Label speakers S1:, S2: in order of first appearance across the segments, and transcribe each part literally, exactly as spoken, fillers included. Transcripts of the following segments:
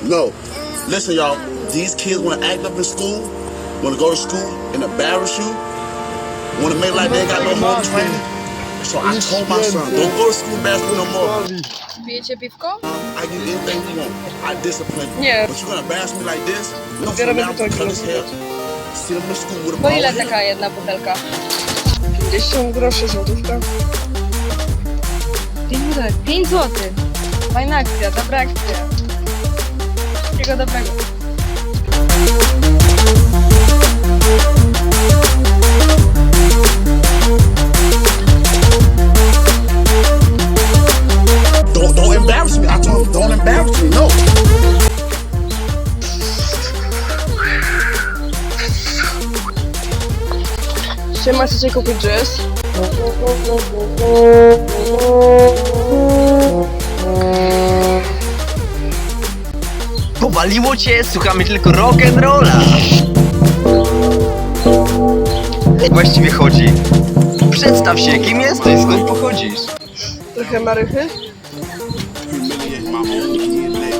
S1: No. Listen, y'all. These kids want to act up in school, want to go to school and embarrass you, want to make like they ain't got no home training. So I told my son, don't go to school and embarrass me no more.
S2: Pijecie piwko?
S1: I give you anything you want. I discipline you.
S2: Nie.
S1: But you're going to embarrass me like this? No, so
S2: Biorę
S1: now I'm
S2: butelki.
S1: gonna cut his hair, send him to school with a
S2: Po
S1: ball
S2: ile
S1: head.
S2: taka jedna butelka?
S3: pięćdziesiąt groszy, złotówka.
S2: pięć butelek. pięć złotych. Fajna akcja, dobra akcja. Wszystkiego dobrego.
S1: Don't, don't embarrass me. I told him, don't embarrass me. No.
S3: Siema, chcecie kupić dżes?
S4: Powaliło cię, słuchamy tylko rock'n'rolla. Jak właściwie chodzi? Przedstaw się, kim jesteś, skąd pochodzisz?
S3: Trochę marychy?
S1: Humiliate my own kid, man.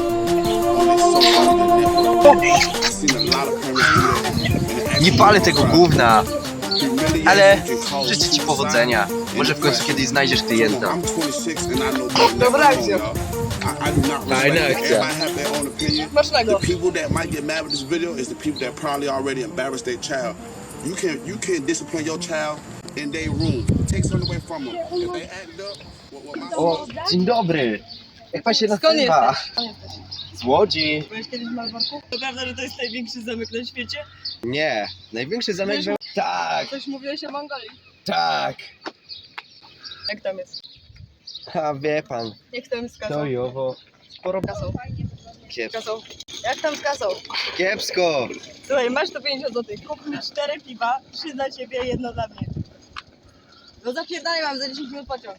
S1: On this social media network. I've seen a lot of parents do that.
S4: Nie palę tego gówna,
S1: Humiliate
S4: ale
S1: you can call
S4: życzę ci
S1: suicide.
S4: powodzenia. Może w końcu kiedyś znajdziesz klienta.
S1: I'm twenty-six and I know better.
S3: Dobra akcja.
S1: I, I do not
S4: Fajna
S1: respect it.
S4: akcja.
S1: Everybody have their own opinion.
S3: Smacznego.
S1: The people that might get mad with this video is the people that probably already embarrassed their child. You can you can discipline your child in their room. Take something away from them. If they act up, what, what my
S4: O, dzień dobry. Jak pan się
S2: Skąd
S4: nazywa?
S2: jesteś?
S4: Z Łodzi.
S2: Byłeś kiedyś w Malborku? To prawda, że to jest największy zamek na świecie?
S4: Nie, największy zamek był... Tak,
S2: Coś mówiłeś o Mongolii.
S4: tak.
S2: Jak tam jest?
S4: A wie pan,
S2: Jak tam z kasą?
S4: to i owo. Sporo
S2: Kasą.
S4: kiepsko.
S2: Kasą. Jak tam z kasą?
S4: Kiepsko.
S2: Słuchaj, masz to pięćdziesiąt złotych. Kup mi cztery piwa, trzy dla ciebie, jedno dla mnie. No zapierdalaj, mam za dziesięć minut pociąg.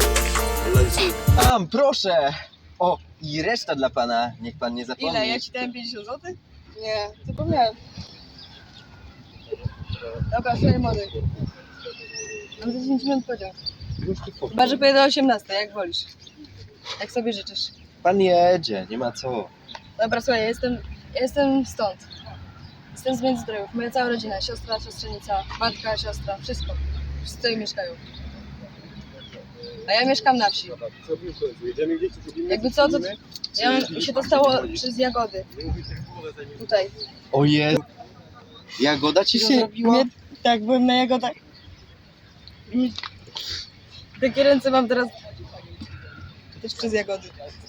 S4: Tam, proszę. O, i reszta dla pana, niech pan nie zapomni.
S2: Ile? Ja ci dałem pięćdziesiąt złotych? Nie, zapomniałem. Dobra, słuchaj młody. Mam za dziesięć minut pociąg. Chyba, że pojedę o osiemnastej, jak wolisz. Jak sobie życzysz.
S4: Pan jedzie, nie ma co.
S2: Dobra, słuchaj, ja jestem, ja jestem stąd. Jestem z Międzyzdrojów. Moja cała rodzina, siostra, siostrzenica, matka, siostra, wszystko. Wszyscy tutaj mieszkają. A ja mieszkam na wsi. Jakby co, to ja mam, mi się to stało przez jagody. Tutaj.
S4: Ojej. Jagoda ci się...
S2: Nie, tak, byłem na jagodach. I takie ręce mam teraz też przez jagody.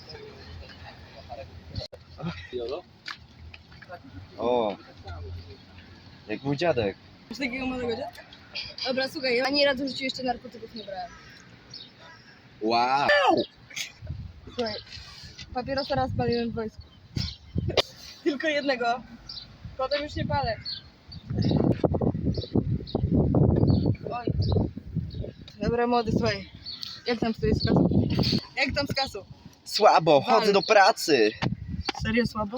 S4: O, jak mój dziadek.
S2: Masz takiego młodego dziadka? Dobra, słuchaj, ja ani razu w życiu jeszcze narkotyków nie brałem.
S4: Wow.
S2: Słuchaj, papierosa raz paliłem w wojsku. Tylko jednego. Potem już nie palę. Oj. Dobra, młody, słuchaj. Jak tam stoi z kasą? Jak tam z kasą?
S4: Słabo, chodzę do pracy.
S2: Serio słabo?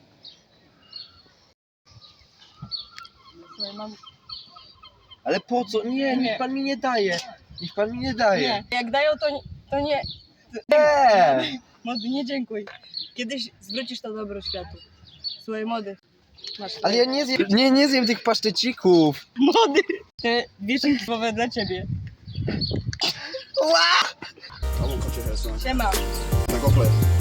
S2: Słuchaj, mam...
S4: Ale po co? Nie, niech pan mi nie daje. Niech pan mi nie daje.
S2: Nie, jak dają, to nie... To nie.
S4: Nie.
S2: Młody, nie dziękuj. Kiedyś zwrócisz to dobro światu. Słuchaj, młody. Masz
S4: Ale ja nie zjem, nie, nie zjem tych paszczecików.
S2: Młody! Te wieszynki słowe dla ciebie.
S4: Ła!
S1: I won't cut your hair, son.
S2: Siema.
S1: Now go play.